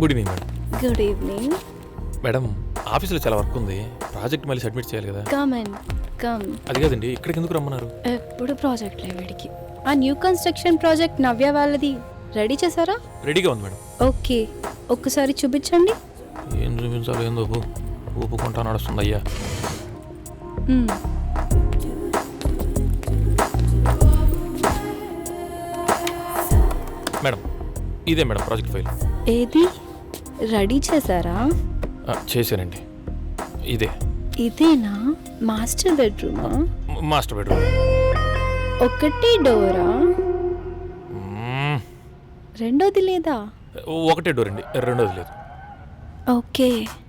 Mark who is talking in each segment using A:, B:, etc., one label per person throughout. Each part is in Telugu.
A: Good evening madam.
B: Good evening.
A: Madam ఆఫీస్లో చాలా వర్క్ ఉంది, ప్రాజెక్ట్ మళ్ళీ సబ్మిట్ చేయాలి కదా.
B: Come and come.
A: అది కాదండి, ఇక్కడికి ఎందుకు రమ్మన్నారు?
B: ఎప్పుడు ప్రాజెక్ట్ వీడికి. ఆ న్యూ కన్స్ట్రక్షన్ ప్రాజెక్ట్ నవ్య వాళ్ళది రెడీ చేశారా?
A: రెడీగా ఉంది మేడం.
B: ఓకే, ఒక్కసారి చూపించండి.
A: ఏం చూపించాలో ఏందో ఊపుకుంటా నడుస్తుంది అయ్యా. మేడం ఇదే మేడం ప్రాజెక్ట్ ఫైల్.
B: ఏది రెడీ చేశారా?
A: చేశానండి.
B: ఇదేనా మాస్టర్ బెడ్రూమా?
A: Master bedroom.
B: ఒకటి డోరా? రెండోది లేదా?
A: ఒకటే డోర్ అండి, రెండోది లేదు.
B: ఓకే.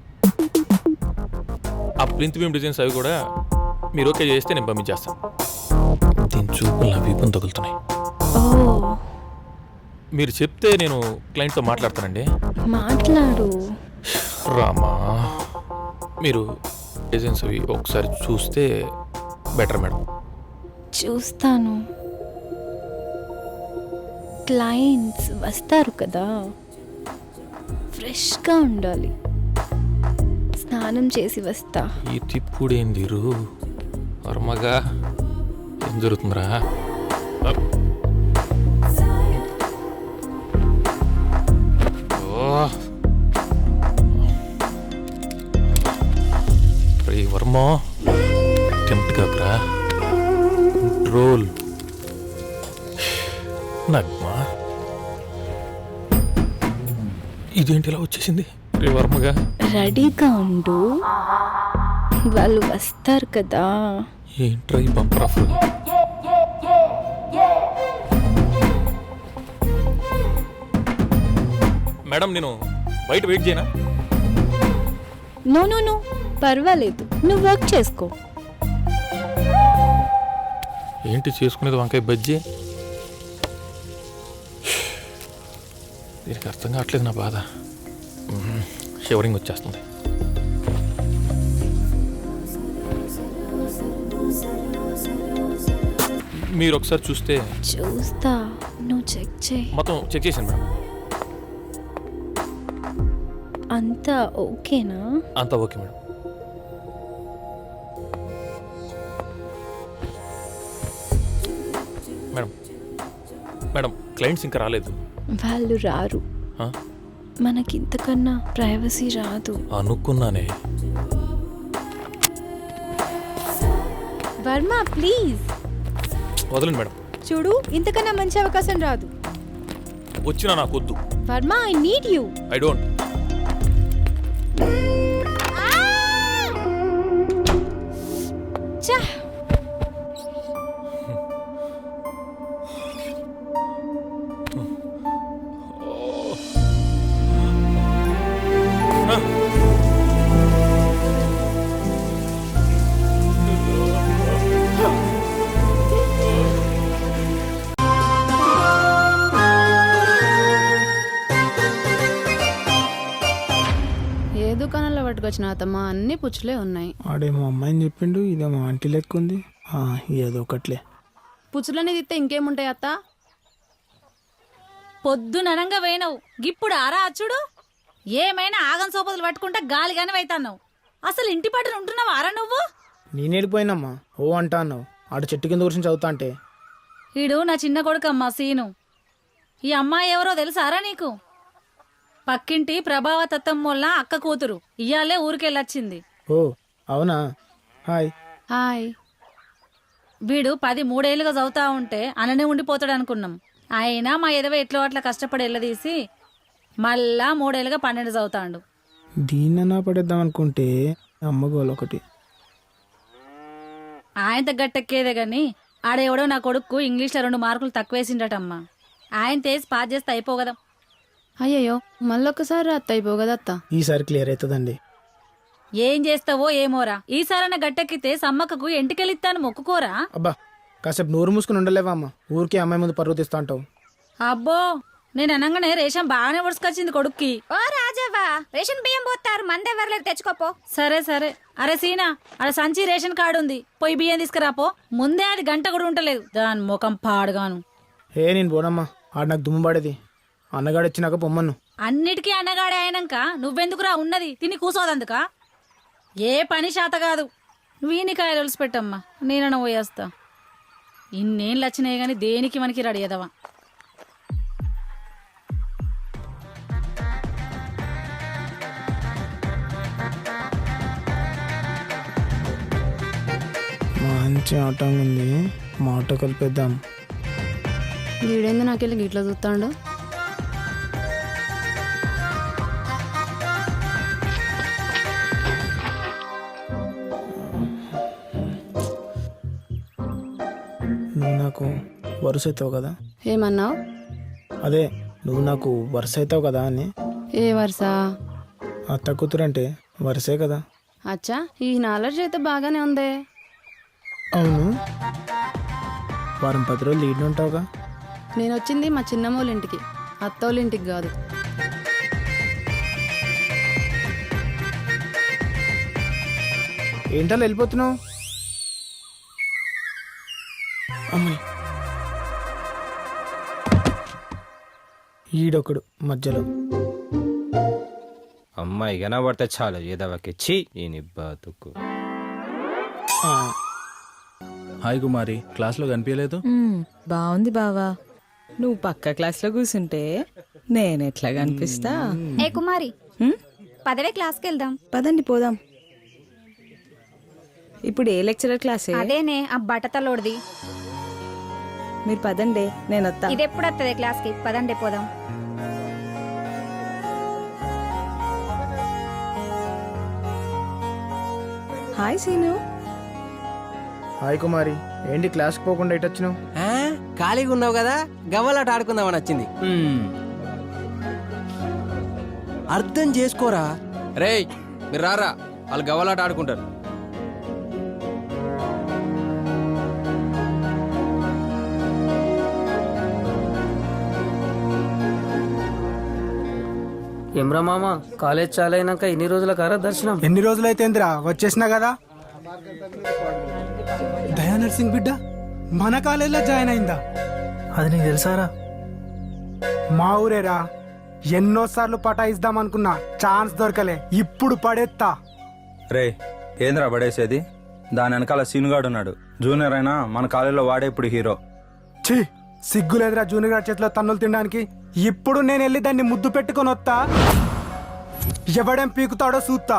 A: ఆ ప్రింట్ బీమ్ డిజైన్స్ అవి కూడా మీరు ఓకే చేస్తే నేను పంపించేస్తాను. దీని చూపులు నా వీపుని తగులుతున్నాయి.
B: ఓ,
A: మీరు చెప్తే నేను క్లయింట్తో మాట్లాడతానండి.
B: మాట్లాడు.
A: రామా, మీరు డిజైన్స్ అవి ఒకసారి చూస్తే బెటర్ మేడం.
B: చూస్తాను. క్లయింట్స్ వస్తారు కదా, ఫ్రెష్గా ఉండాలి. స్నానం చేసి వస్తా.
A: ఈ తిప్పుడేందిరు వర్మగా, ఏం జరుగుతుందిరా? వర్మ టెంప్ట్ కాకురా, కంట్రోల్. నగ్మా ఇదేంటి ఇలా వచ్చేసింది? వర్మగా
B: రెడీగా ఉండు, వాళ్ళు వస్తారు కదా.
A: ఏంట్రా ఈ బంపర్ ఆఫర్? మేడం నేను బయట వెయిట్ చేయనా?
B: నో నో నో, పర్వాలేదు, నువ్వు వర్క్ చేసుకో.
A: ఏంటి చేసుకునేది? వంకాయ బజ్జీ. దీనికి అర్థం కావట్లేదు నా బాధ. షివరింగ్ వచ్చేస్తుంది. మీరు ఒకసారి చూస్తే.
B: చూస్తా, నువ్వు చెక్ చేయి.
A: మొత్తం చెక్ చేశాను మేడం.
B: అంతా ఓకేనా?
A: అంతా okay madam. Madam madam clients ఇంకా రాలేదు.
B: వాళ్ళు రారు. మనకింతకన్నా ప్రైవసీ రాదు.
A: అనుకున్నానే.
B: వర్మ ప్లీజ్
A: వదలండి మేడం.
B: చూడు, ఇంతకన్నా మంచి అవకాశం రాదు.
A: వచ్చినా నాకు వద్దు.
B: Varma, I need you.
A: I don't.
C: ఏ దుకాణంలో పట్టుకొచ్చిన అత్తమ్మ అన్ని పుచ్చులే ఉన్నాయి.
D: ఆడేమో అమ్మాయిని చెప్పిండు, ఇదేమో ఆంటీ లెక్క ఉంది. ఏదో ఒకట్లే.
C: పుచ్చులనే తిత్తే ఇంకేముంటాయి అత్త?
E: పొద్దుననంగా పోయినావు, గిప్పుడు ఆరా అచ్చుడు. ఏమైనా ఆగం సోపతులు పట్టుకుంటా గాలిగానే వైతాన్నావు. అసలు ఇంటి పట్టున ఉంటున్నావు ఆరా నువ్వు?
D: నేనేడిపోయినమ్మా, ఓ అంటా అన్నావు. ఆడ చెట్టు కింద కూర్చొని చదువుతా అంటే.
E: ఈడు నా చిన్న కొడుకమ్మా సీను. ఈ అమ్మాయి ఎవరో తెలుసారా నీకు? పక్కింటి ప్రభావతత్వం వల్ల అక్క కూతురు. ఇయ్యాలే ఊరికెళ్ళొచ్చింది.
D: ఓ అవునా? హాయ్.
C: హాయ్.
E: వీడు 13 చదువుతా ఉంటే అననే ఉండిపోతాడు అనుకున్నాం. అయినా మా ఎదవ ఎట్లో అట్లా కష్టపడి ఎల్లదీసి మళ్ళా 3 12 చదువుతాడు.
D: దీన్నన్నా పడేద్దాం అనుకుంటే అమ్మగోలు ఒకటి.
E: ఆయన తగ్గట్టెక్కేదే గాని ఆడెవడో నా కొడుకు ఇంగ్లీష్లో 2 మార్కులు తక్కువేసిండటమ్మా. ఆయన తేసి పాస్ చేస్తే అయిపోగదా.
C: అయ్యయ్యో, మళ్ళొక్కసారి అత్త అయిపోగదా అత్త.
D: ఈసారి క్లియర్ అవుతుందండి.
E: ఏం చేస్తావో ఏమోరా. ఈసారన్న గట్టెక్కితే సమ్మక్కకు ఎంటికెళ్ళిస్తాను మొక్కుకోరా.
D: అబ్బా, కాసేపు నోరు మూసుకుని ఉండలేవా అమ్మ? ఊరికే అమ్మాయి ముందు పరువు తీస్తా అంటావు.
E: అబ్బో, నేను అనగానే రేషన్ బాగానే ఉడుసుకొచ్చింది కొడుక్కి.
F: ఓ రాజవ్వా, రేషన్ బియ్యం పోతారు, మందెవరలేదు, తెచ్చుకోపో.
E: సరే సరే. అరే సీనా, అడ సంచి రేషన్ కార్డు ఉంది, పోయి బియ్యం తీసుకురాపో. ముందే అది గంట కూడా ఉంటలేదు, దాని ముఖం పాడుగాను.
D: నేను పోనమ్మా, ఆడ నాకు దుమ్ము పడేది. అన్నగాడు వచ్చినాక పొమ్మను.
E: అన్నిటికీ అన్నగాడే అయినాక నువ్వెందుకురా ఉన్నది తిని కూసోదందుక ఏ పని శాత కాదు వీనికాయలు ఒలిసి పెట్టమ్మా నేనన్నా పోయేస్తా ఇన్నేళ్ళు వచ్చినాయి కానీ దేనికి మనకి రెడీ అదవా
D: మంచి ఆట ఉంది, మా ఆట కలిపేద్దాం.
C: వీడేంది నాకెళ్ళి గిట్లా చూస్తాడు.
D: నువ్వు నాకు వరుస అవుతావు కదా,
C: ఏమన్నావు?
D: అదే నువ్వు నాకు వరుస అవుతావు కదా అని.
C: ఏ వరుస?
D: అత్త కూతురంటే వరుసే కదా.
C: అచ్చా, ఈ నాలెడ్జ్ అయితే బాగానే ఉందే.
D: అవును, వారం 10 రోజులు లీడ్ ఉంటావుగా.
C: నేను వచ్చింది మా చిన్నమ్మోళ్ళ ఇంటికి, అత్తోళ్ళ ఇంటికి కాదు.
D: ఏంటలా వెళ్ళిపోతున్నావు? అమ్మాయి ఈడొకడు మధ్యలో.
G: అమ్మాయి కనబడితే చాలు ఏదవకిచ్చి ఈ నిబ్బాతుకు.
A: హాయ్ కుమారి, క్లాస్లో కనిపించలేదు.
H: బాగుంది బావా. నువ్వు పక్క క్లాస్లో కూర్చుంటే నేనెట్లా కనిపిస్తా?
F: ఏ కుమారి,
H: హ్మ్?
F: పదవే క్లాస్కి వెళ్దాం.
H: పదండి పోదాం. ఇప్పుడు ఏ లెక్చరర్ క్లాసే?
F: అదేనే ఆ బట్టతలోడిది.
H: మీరు పదండి, నేను వస్తా.
F: ఇది ఎప్పుడు వస్తుంది క్లాస్కి? పదండి పోదాం.
H: Hi scene.
D: హాయ్ కుమారి, ఏంటి క్లాస్కి పోకుండా ఇటు వచ్చినావు?
I: ఖాళీగా ఉన్నావు కదా, గవ్వలాట ఆడుకుందామని వచ్చింది. అర్థం చేసుకోరా.
G: రేయ్ మీరు రారా, వాళ్ళు గవ్వలాట ఆడుకుంటారు.
I: ఎమ్రా మామ, కాలేజ్ చాలైనాక ఎన్ని రోజుల కారా దర్శనం?
D: ఎన్ని రోజులైతేందిరా వచ్చేసినా కదా. దయా నర్సింగ్ బిడ్డ మన కాలేజీలో జాయిన్ అయిందా? అది నీకు తెలుసారా? మా ఊరేరా. ఎన్నోసార్లు పటాయిద్దాం అనుకున్నా, ఛాన్స్ దొరకలే. ఇప్పుడు పడేత్తా.
J: రే ఏంద్రా పడేసేది? దాని వెనకాల సీనుగాడు ఉన్నాడు, జూనియర్ అయినా మన కాలేజీలో వాడే ఇప్పుడు హీరో.
D: ఛీ, సిగ్గులేదురా జూనియర్ గారి చేతిలో తన్నులు తినడానికి. ఇప్పుడు నేను వెళ్ళి దాన్ని ముద్దు పెట్టుకొని వస్తా. ఎవడేం పీకుతాడో చూస్తా.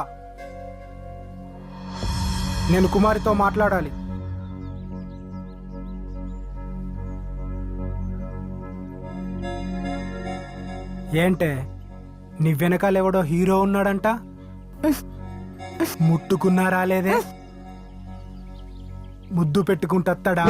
D: నేను కుమారితో మాట్లాడాలి. ఏంటే, నీ వెనకాల ఎవడో హీరో ఉన్నాడంట? ముట్టుకున్నా రాలేదే, ముద్దు పెట్టుకుంటా.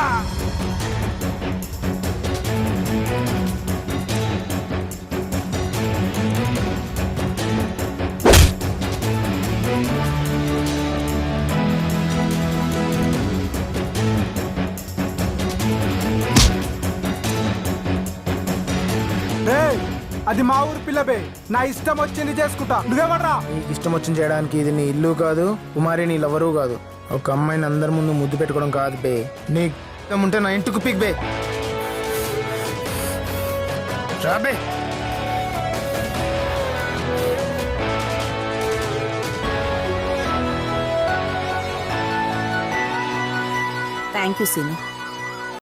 D: అది మా ఊరు పిల్లబే, నా ఇష్టం వచ్చింది చేసుకుంటా. నువ్వేమడ్రా? నీకు ఇష్టం వచ్చింది చేయడానికి ఇది నీ ఇల్లు కాదు, కుమారి నీ లవరు కాదు. ఒక అమ్మాయిని అందరి ముందు ముద్దు పెట్టుకోవడం కాదు బే. నీకు ఇష్టం ఉంటే నా ఇంటికి పిక్ బే. రాబే.
H: Thank you scene.